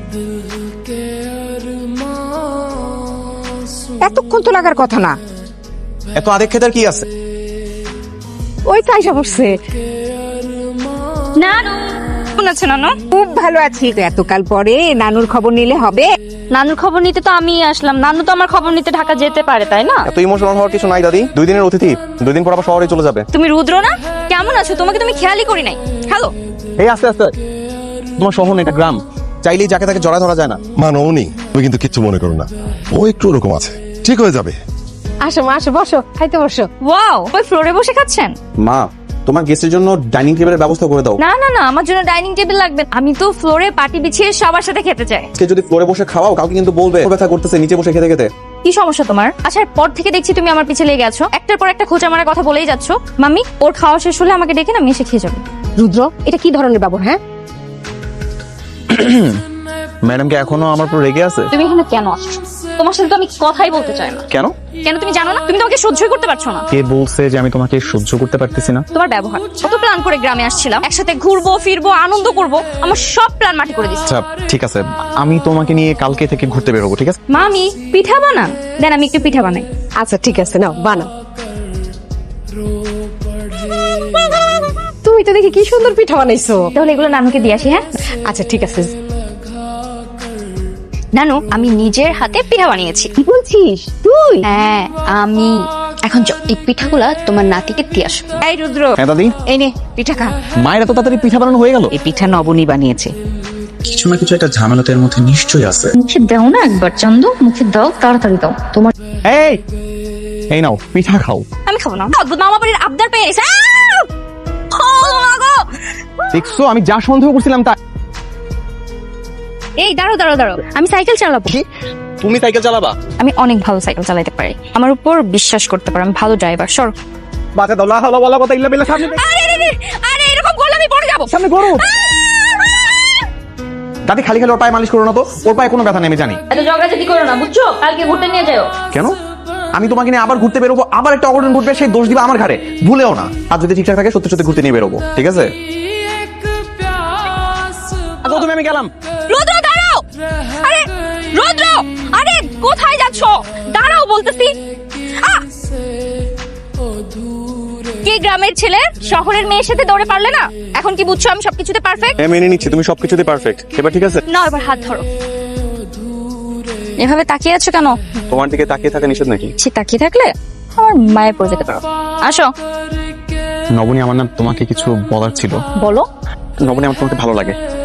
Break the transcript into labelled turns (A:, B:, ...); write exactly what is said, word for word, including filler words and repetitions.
A: এতক্ষণ তো লাগার কথা না।
B: এত আদেক খেতার কি আছে?
A: ওই তো আইসা পড়ছে।
C: নানু কেমন আছো নানু?
A: খুব ভালো আছি। এতকাল পরে নানুর খবর নিলে হবে?
C: নানুর খবর নিতে তো আমি আসলাম, নানু তো আমার খবর নিতে ঢাকা যেতে পারে তাই না?
B: এত ইমোশনাল হওয়ার কিছু নাই দাদি, দুই দিনের অতিথি, দুই দিন পর আবার শহরে চলে যাবে।
C: তুমি রুদ্র না? কেমন আছো? তোমাকে তুমি খেয়ালই করি নাই। হ্যালো
B: এই আস্তে আস্তে, তোমার শহর না, এটা গ্রাম, চাইলেই যাকে তাকে জড়া ধরা যায় না।
D: মা নৌনি, তুমি কিন্তু কিচ্ছু মনে করো না, ও একটু ওরকম আছে, ঠিক হয়ে যাবে।
A: আসো মা, আসো, বসো, খাইতে বসো।
C: ওয়াও, ওই ফ্লোরে বসে খাচ্ছেন?
B: মা, তোমার গেস্টের জন্য ডাইনিং টেবিলের ব্যবস্থা করে দাও।
C: না না না, আমার জন্য ডাইনিং টেবিল লাগবে। আমি তো ফ্লোরে পাটি বিছিয়ে সবার সাথে খেতে চাই।
B: আজকে যদি ফ্লোরে বসে খাওয়াও, কালকে কিন্তু বলবে ব্যথা করতেছে নিচে বসে খেতে খেতে।
C: কি সমস্যা তোমার? আসার পর থেকে দেখছি তুমি আমার পিছে লেগে আছো, একটার পর একটা খোঁচা মারার কথা বলেই যাচ্ছ। মাম্মি, ওর খাওয়া শেষ হলে আমাকে ডেকে না, আমি এসে খেয়ে যাবো।
A: রুদ্র, এটা কি ধরনের ব্যবহার? হ্যাঁ,
B: ম্যাডাম কি এখনো আমার উপর রেগে আছে?
C: তুমি এখানে কেন আসছো? তোমার সাথে তো আমি কথাই বলতে চাই না।
B: কেন?
C: কেন তুমি জানো না? তুমি তো আমাকে সহ্যই করতে পারছো না।
B: কে বলছে যে আমি তোমাকে সহ্য করতে পারতেছি না?
C: তোমার ব্যবহার। কত প্ল্যান করে গ্রামে আসছিলাম, একসাথে ঘুরবো ফিরবো আনন্দ করব, আমার সব প্ল্যান মাটি করে দিচ্ছে।
B: আচ্ছা ঠিক আছে, আমি তোমাকে নিয়ে কালকে থেকে ঘুরতে বেরোবো, ঠিক আছে?
C: মামি, পিঠা বানান দেন, আমি একটু পিঠা বানাই।
A: আচ্ছা ঠিক আছে, নাও বানাও। তুমি তো দেখি কি সুন্দর পিঠা বানাইছো।
C: তাহলে এগুলো নানুকে দিয়ে আসি। হ্যাঁ
A: আচ্ছা ঠিক আছে।
C: নানু, আমি নিজের হাতে পিঠা বানিয়েছি।
A: কি বলছিস তুই?
C: হ্যাঁ আমি। এখন যাও, এই পিঠাগুলা তোমার নাতিকে দিয়ে আসো।
A: এই রুদ্র,
B: হ্যাঁ দাদি,
A: এই নে পিঠা খা।
B: মায়ের এত তাড়াতাড়ি পিঠা বানানো হয়ে গেল?
A: এই পিঠা নবনী বানিয়েছে।
E: কিছু না কিছু একটা ঝামেলাতের মধ্যে নিশ্চয়ই আছে।
C: মুখে দাও না একবার, চন্দ মুখে দাও, তাড়াতাড়ি দাও। তোমার
B: এই এই নাও পিঠা খাও।
C: আমি খাবো না। অদ্ভুত মামা বাড়ির আবদার পেয়ে গেছে।
B: দেখছো, আমি যা সন্দেহ করছিলাম তা।
C: এই দাঁড়াও দাঁড়াও দাঁড়াও, আমি সাইকেল চালাবো।
B: কি? তুমি সাইকেল চালাবা?
C: আমি অনেক ভালো সাইকেল চালাতে পারি, আমার উপর বিশ্বাস করতে পারো, আমি ভালো ড্রাইভার। সর।
B: বাজে দাও, লা হাওলা ওয়ালা কথা ইল্লা বিল্লাহ। সামনে
C: আরে আরে আরে, এরকম করলে আমি পড়ে যাবো।
B: সামনে করো। দাদি খালি খালি ওর পায়ে মালিশ করো না তো, ওর পায়ে কোনো ব্যথা নেই আমি জানি।
C: এত ঝগড়াঝাটি করো না, বুঝছো? কালকে ঘুরতে নিয়ে যাও।
B: কেন? আমি তোমাকে নিয়ে আবার ঘুরতে বেরোবো, আবার একটা অঘটন ঘটবে, সেই দোষ দিবা আমার ঘাড়ে। ভুলেও না, আর যদি ঠিকঠাক থাকে সত্যি সত্যি ঘুরতে নিয়ে বেরোবো, ঠিক আছে? আচ্ছা তুমি, আমি গেলাম।
C: রুদ্র দাঁড়াও। আরে রুদ্র, আরে কোথায় যাচ্ছো? দাঁড়াও বলতেছি। আহ! কি গ্রামের ছেলে শহরের মেয়ের সাথে দৌড়ে পারলে না? এখন কি বুঝছো আমি সবকিছুতে পারফেক্ট?
B: হ্যাঁ মেনে নিচ্ছি, তুমি সবকিছুতে পারফেক্ট। এবার ঠিক আছে?
C: না, এবার হাত ধরো। এভাবে তাকিয়ে আছো কেন?
B: তোমার দিকে তাকিয়ে থাকা নিষেধ নাকি?
C: সে তাকিয়ে থাকলে আমার মায়ের পড়ে যেতে পারো। আসো।
B: নবনী, আমার না তোমাকে কিছু বলার ছিল।
C: বলো।
B: নবনী, আমার তোমাকে ভালো লাগে।